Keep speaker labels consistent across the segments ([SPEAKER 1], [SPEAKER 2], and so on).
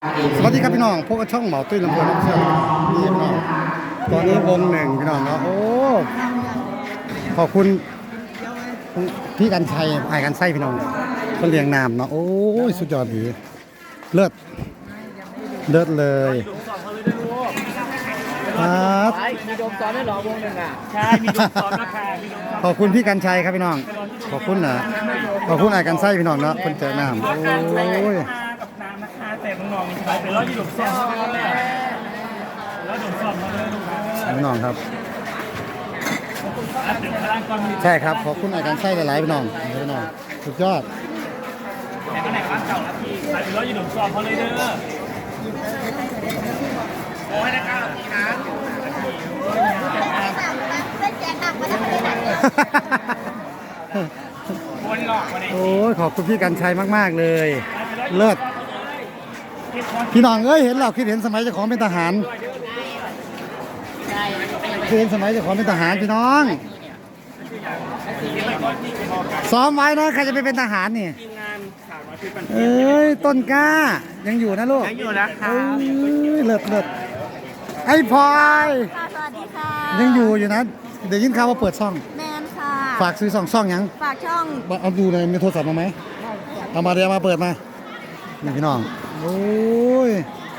[SPEAKER 1] สวัสดีครับพี่น้องพวกช่องเหมาตุ้ยลำเพลินน้ำเชื่อมนี่พี่น้องตอนนี้วงหนึ่งพี่น้องเนาะโอ้ขอบคุณพี่กันชัยไอ้กันไส้พี่น้องเขาเรียงนามเนาะโอ้ยสุดยอดดีเลิศเลยครับ
[SPEAKER 2] มีโดมซ้อนได้หรอวงหนึ่งอ่ะใช่มีโดมซ้อนราคา
[SPEAKER 1] ขอบคุณพี่กันชัยครับพี่น้องขอบคุณนะขอบคุณไอ้กันไส้พี่น้องเนาะคนเจอน้ำโอ้ย
[SPEAKER 2] กับน้ำนะคะแต่น้องๆมีใช้เป็นร้อยยี่สิบซ้อนเลยแล้วโดมซ้อนมาเลย
[SPEAKER 1] พี่น้องครับใช่ครับขอบคุณไอ้กันไส้หลายๆพี่น้องสุดยอด
[SPEAKER 2] แต่ก็ไหนร้านเก่านะพี่ใช้เป็นร้อยยี่สิบซ้อนเขาเลยเด้อโอ้ยนะก้าวทีนะ
[SPEAKER 1] โอ้ยขอบคุณพี่กันชัยมากๆเลยเลิศพี่น้องเอ้ยเห็นเราคิดเห็นสมัยเจ้าของเป็นทหารคิดเห็นสมัยเจ้าของเป็นทหารพี่น้องซ้อมไว้นะใครจะไปเป็นทหารนี่เอ้ยต้นกล้ายังอยู่นะลูก
[SPEAKER 2] ยังอยู่นะคะ
[SPEAKER 1] เลิศไอ้พลอย
[SPEAKER 3] สวัสดีค่ะ
[SPEAKER 1] ยังอยู่นะเดี๋ยวยินข่าวว่าเปิดช่อง
[SPEAKER 3] แมนค่ะ
[SPEAKER 1] ฝากซื้อช่องยัง
[SPEAKER 3] ฝากช่อง
[SPEAKER 1] เอาดูในมีโทรศัพท์มาไหมเอามาเดี๋ยวมาเปิดมานี่พี่น้องโอ้ย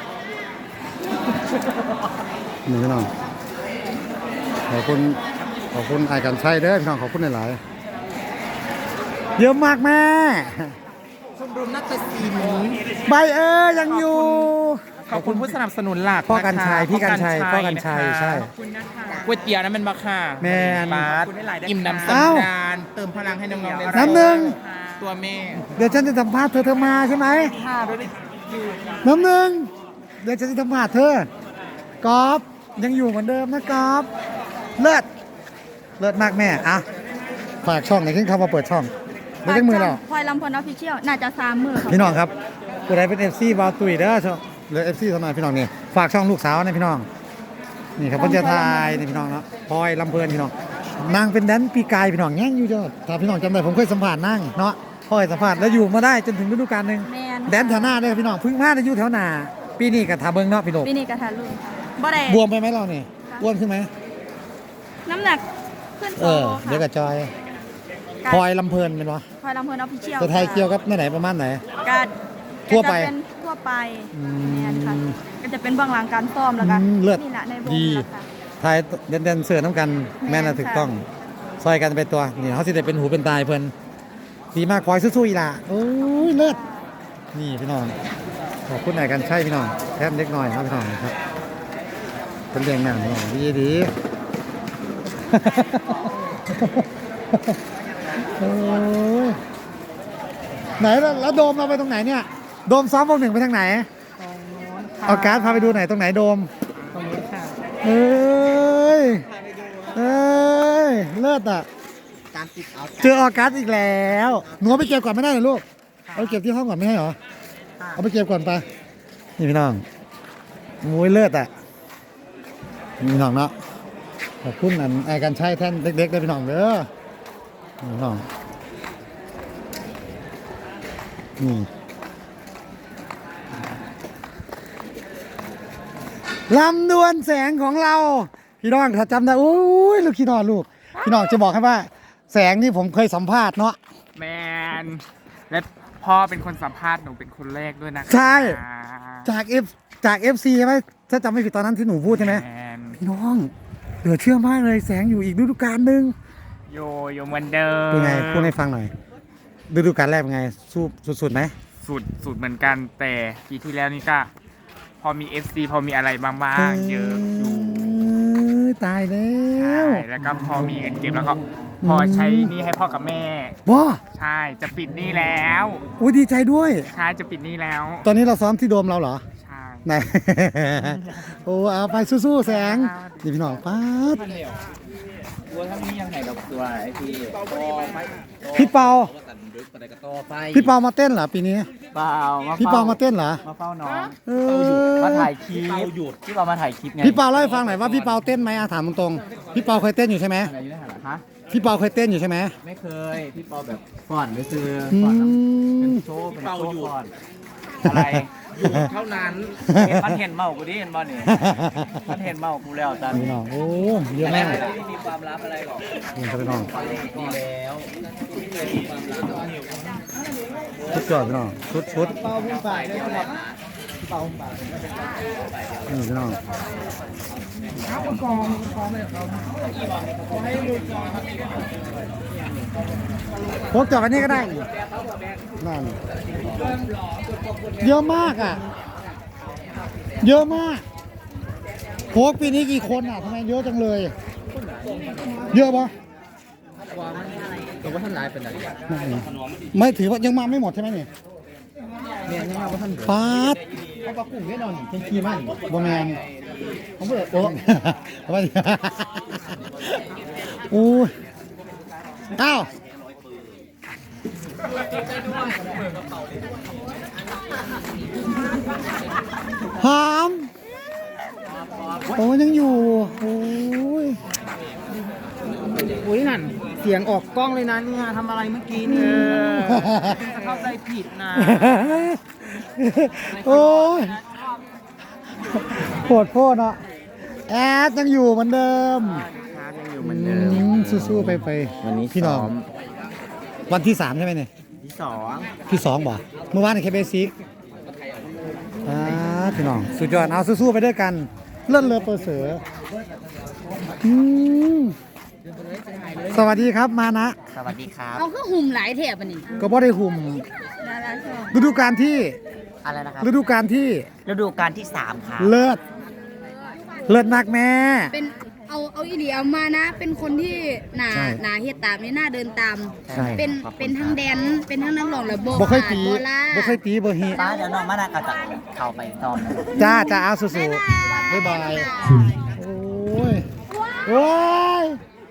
[SPEAKER 1] นี่พี่น้องขอบคุณไอ้กันชัยเด้อพี่น้องขอบคุณหลายๆเยอะมากแม่
[SPEAKER 2] ชมรมนักศิลป์
[SPEAKER 1] ใบยังอยู่
[SPEAKER 2] ขอบคุณผู้สนับสนุนหลัก
[SPEAKER 1] พ่อกันชัยพี่กันชัยพ่อกันชัยใช่
[SPEAKER 2] ก๋วยเตี๋ยวนั้นเป็นบักค่ะ
[SPEAKER 1] แม่
[SPEAKER 2] บาสอิ่มน้ำสำราญเติมพลังให้น้องๆได้
[SPEAKER 1] น้ำหนึ่ง
[SPEAKER 2] ตัวแม่
[SPEAKER 1] เดี๋ยวฉันจะสัมภาษณ์เธอมาใช่ไหมน้ำหนึ่งเดี๋ยวฉันจะสัมภาษณ์เธอกอล์ฟยังอยู่เหมือนเดิมนะกอล์ฟเลิศมากแม่อะฝากช่องไหนขึ้นเข้ามาเปิดช่องไม่ใช่มือเรา
[SPEAKER 3] พลอยลำพลออฟฟิเชียลน่าจะ3 มือ
[SPEAKER 1] พี่น้องครับผู้ใดเป็น FC บาวตุยเด้อช่องหรือ FC เท่านั้นพี่น้องนี่ฝากช่องลูกสาวนะพี่น้องนี่ครับเพิ่นจะทายนี่พี่น้องเนาะพลอยลำเพลินพี่น้องนางเป็นแดนปีกายพี่น้องแง่งอยู่จ้ะถ้าพี่น้องจำได้ผมเคยสัมภาษณ์นั่งเนาะพลอยสัมภาษณ์แล้วอยู่มาได้จนถึงฤดูกาลนึงแดนแถวหน้าเด้อพี่น้องพึ่งมาได้อยู่แถวหน้าปีนี้ก็ทาเบิ่งเนาะพี่น้อง
[SPEAKER 3] ปีนี้ก็ทารุ่นบ่ได้
[SPEAKER 1] บวมไปไหมเรานี่อ้วนขึ้นไหม
[SPEAKER 3] น้ำหนักขึ้น
[SPEAKER 1] เดี๋ยวกับจอยพลอยลำเพลินเป็นวะ
[SPEAKER 3] พลอยลำเพลินออฟฟิเชียล
[SPEAKER 1] จะไทยเกี่ยวกับไหนประมาณไหน
[SPEAKER 3] การ
[SPEAKER 1] ทั่วไป
[SPEAKER 3] เนี่ยค่ะก็จะเป็นเบื้องหลังการซ้อมแล้วกันนี่แหละในวง
[SPEAKER 1] ไทยเด่นเสือน้ำกันแม่น่ะถูกต้องซอยกันเป็นตัวนี่เขาสิได้เป็นหูเป็นตายเพิ่นดีมากพลอยสู้ๆอีล่ะโอ้ยเลิศนี่พี่น้องขอบคุณไหนกันใช่พี่น้องแทบเล็กน้อยครับพี่น้องครับเป็นเรื่องงานพี่น้องดีไหนแล้วโดมเราไปตรงไหนเนี่ยโดมซ้อมวงหนึ่งไปทางไหนเอาการ์ดพาไปดูไหนตรงไหนโดม
[SPEAKER 2] ตรงนี้ค่ะ
[SPEAKER 1] เลิศอ่ะเจอออกัสอีกแล้วหนูไปเก็บก่อนไม่ได้เหรอลูกเอาเก็บที่ห้องก่อนไม่ให้เหรอเอาไปเก็บก่อนไปนี่พี่น้องมวยเลิศอ่ะพี่น้องเนาะขอบคุณไอ้กันใช้แท่นเล็กๆได้พี่น้องเด้อพี่น้องนี่ลำดวนแสงของเราพี่น้องถ้าจำได้โอ้ยลูกพี่น้องพี่น้องจะบอกให้ว่าแสงนี่ผมเคยสัมภาษณ์เนาะ
[SPEAKER 2] แมนและพ่อเป็นคนสัมภาษณ์หนูเป็นคนแรกด้วยนะ
[SPEAKER 1] ใช่จาก FC ใช่ไหมถ้าจำไม่ผิดตอนนั้นที่หนูพูดใช่ไหมพี่น้องเหลือเชื่อมากเลยแสงอยู่อีกฤดูกาลนึง
[SPEAKER 2] โยเหมือนเดิม
[SPEAKER 1] เป็นไงพูดให้ฟังหน่อยฤดูกาลแรกเป็นไงสู้สุดไหม
[SPEAKER 2] สุดเหมือนกันแต่ปีที่แล้วนี่ก็พอมี FC พอมีอะไรบ้างเยอะอยู่
[SPEAKER 1] ตายแล้ว
[SPEAKER 2] แล้วก็พอมีเงินเก็บแล้วก็พอใช้นี่ให้พ่อกับแม่ใช่จะปิดนี่แล้ว
[SPEAKER 1] อุ้ยดีใจด้วย
[SPEAKER 2] ใช่จะปิดนี่แล้ว
[SPEAKER 1] ตอนนี้เราซ้อมที่โดมเราเหรอ
[SPEAKER 2] ใช่
[SPEAKER 1] ไหนโอ้เอาไปสู้ๆแสงนี่พี่น้องป๊าด
[SPEAKER 2] ตัวทั้งนี้ยังไงดอกตัวไอ้
[SPEAKER 1] พี่เปามาเต้นเหรอปีนี้พี่เปามาเต้นเหรอ
[SPEAKER 2] มาเฝ้าน้องมาถ่ายคลิปพี่เปามาถ่ายคลิปไง
[SPEAKER 1] พี่เปาเล่าให้ฟังหน่อยว่าพี่เปาเต้นไหมถามตรงๆพี่เปาเคยเต้นอยู่ใช่ไหมพี่เปาเคยเต้นอยู่ใช่ไหม
[SPEAKER 2] ไม่เคยพี่เปาแบบก่อนไปซื้อก่อนเป็นโชว์ก่อนอะไรเท่านั้น
[SPEAKER 4] มันเห็นเมากูดิเห็นบ่เนี่ยมันเห็นเมากูแล้วตอน
[SPEAKER 1] พี่
[SPEAKER 4] นี้
[SPEAKER 1] น้องโอ้เยอะมาก
[SPEAKER 4] ไม่มีความลับอะไรหรอก
[SPEAKER 1] นี่ครับพี่น้อง
[SPEAKER 4] ดีแล้ว
[SPEAKER 1] ชุดจอดพี่น้องชุด
[SPEAKER 4] เป้าพุ่งฝ่ายด้วยครับเป้าพุ่งฝ่าย
[SPEAKER 1] นี่พี่น้องพกจอดอันนี้ก็ได้นั่นเยอะมากอ่ะเยอะมากโพกปีนี้กี่คนอ่ะทำไมเยอะจังเลย เยอะปะ
[SPEAKER 4] ตัวว่าท่านนายเป็นอะไร
[SPEAKER 1] ไม่ถือว่ายังมาไม่หมดใช่ไหมเนี่ย
[SPEAKER 4] เนี่ยยังมาว่าท่าน
[SPEAKER 1] ฟาด
[SPEAKER 4] เขาประกุ้งแน่นอนเป็นขี้มัน
[SPEAKER 1] บแมน
[SPEAKER 4] ผมเปิดโต๊ะ
[SPEAKER 1] ว่าดิอู้ยอ้าวหอมโอ้ยังอยู่โอ้ย
[SPEAKER 4] อุ้ยนั่นเสียงออกกล้องเลยนะเนี่ยทำอะไรเมื่อกี้นี่เข้าใจผิดนะ
[SPEAKER 1] โอ้ยโหดโพดอ่ะแอดยังอยู่เหมือนเดิม
[SPEAKER 4] ยังอยู่เหมือนเดิม
[SPEAKER 1] สู้ๆไป
[SPEAKER 4] วันนี้
[SPEAKER 1] พี่น้อง
[SPEAKER 4] ซ้อม
[SPEAKER 1] วันที่ 3 ใช่ไหมเนี่ย
[SPEAKER 4] ที่สอง
[SPEAKER 1] ที่ 2บ่เมื่อวานในเคเบซิกพี่น้องสุดยอดเอาสู้ๆไปด้วยกันเลื่อนเรือเปอร์เสืออืมสวัสดีครับมานะ
[SPEAKER 4] สวัสดีครับ
[SPEAKER 3] เอาคือหุ่มหลายแถบอันนี้
[SPEAKER 1] ก็บ่ได้หุ่ม
[SPEAKER 3] ดาราชอบ
[SPEAKER 1] ฤดูกาลที่
[SPEAKER 4] อะไรนะครับ
[SPEAKER 1] ฤดูกาลที่
[SPEAKER 4] ฤดูกาลที่3ครับ
[SPEAKER 1] เลิศเลิศมากแม่
[SPEAKER 3] เป็นเอาอีหลีเอามานะ เป็นคนที่หนา
[SPEAKER 1] ใช่
[SPEAKER 3] หนาเฮ็ดตามนี่หน้าเดินตาม
[SPEAKER 1] ใช่
[SPEAKER 3] เป็นทั้งแดนเป็นทั้งนักร้องและโบ
[SPEAKER 1] บ่เคยตี
[SPEAKER 3] โบล่า
[SPEAKER 1] บ่เคยตีบ่ฮี
[SPEAKER 4] ป้าเดี๋ยวน้องมานาก็จะเข้าไปซ้อมนะ
[SPEAKER 1] จ้าเอาสู้ๆบ๊ายบายโอ้ยโอ้ย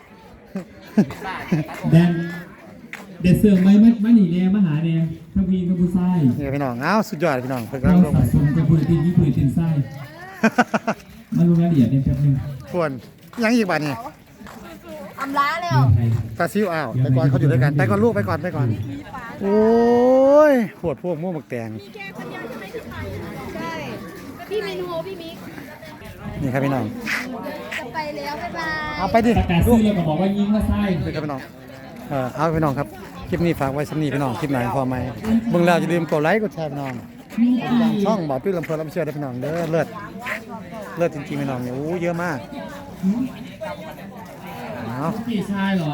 [SPEAKER 5] แดนเด็ดเสือกไหมไม่หนีแน่มาหาแน่ทั้งพีทั้งผู้ไส้
[SPEAKER 1] นี่พี่น้องเอาสุดยอดพี่น้องเพิ่น
[SPEAKER 5] เรา
[SPEAKER 1] กำลังลง
[SPEAKER 5] สะสมจะพูดตีนี้พูดตีนไส้มาลงรายละเอียดในแป๊บนึง
[SPEAKER 1] ควรยังอีกบาทนี่
[SPEAKER 3] อำลาแล้ว
[SPEAKER 5] ใคร
[SPEAKER 1] ตาซิวอ้าวไปก่อนเขาอยู่ด้วยกันไปก่อนลูกไปก่อนโอ้ยปวดพวกม่วงหมกแตง
[SPEAKER 3] ใช่พี่มินโฮพี่มิก
[SPEAKER 1] นี่ครับพี่น้อง
[SPEAKER 3] จะไปแล้วบ๊ายบาย
[SPEAKER 1] เอาไปดิ
[SPEAKER 5] ประกาศซื้อแล้วก็บอกว่ายิงว่าไส้
[SPEAKER 1] ไปครับพี่น้องเอาพี่น้องครับคลิปนี้ฝากไว้สำนีพี่น้องคลิปไหนพอไหมเบิ่งแล้วอย่าลืมกดไลค์กดแชร์พี่น้องช่องบ่อตุ้ยลำเพลินลำเชื่อได้พี่น้องเด้อเลิศจริงๆพี่น้องเนี่ยโอ้เยอะมากเอา
[SPEAKER 5] พี่ชายเหรอ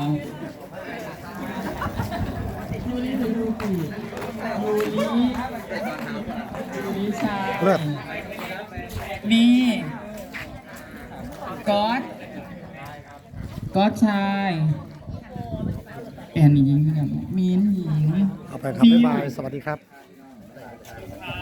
[SPEAKER 5] ชาย
[SPEAKER 1] เลิศ
[SPEAKER 5] นี่ก๊อตชายแอนนี่ยิงกันมีนยิง
[SPEAKER 1] เอาไปครับบ๊ายบายสวัสดีครับ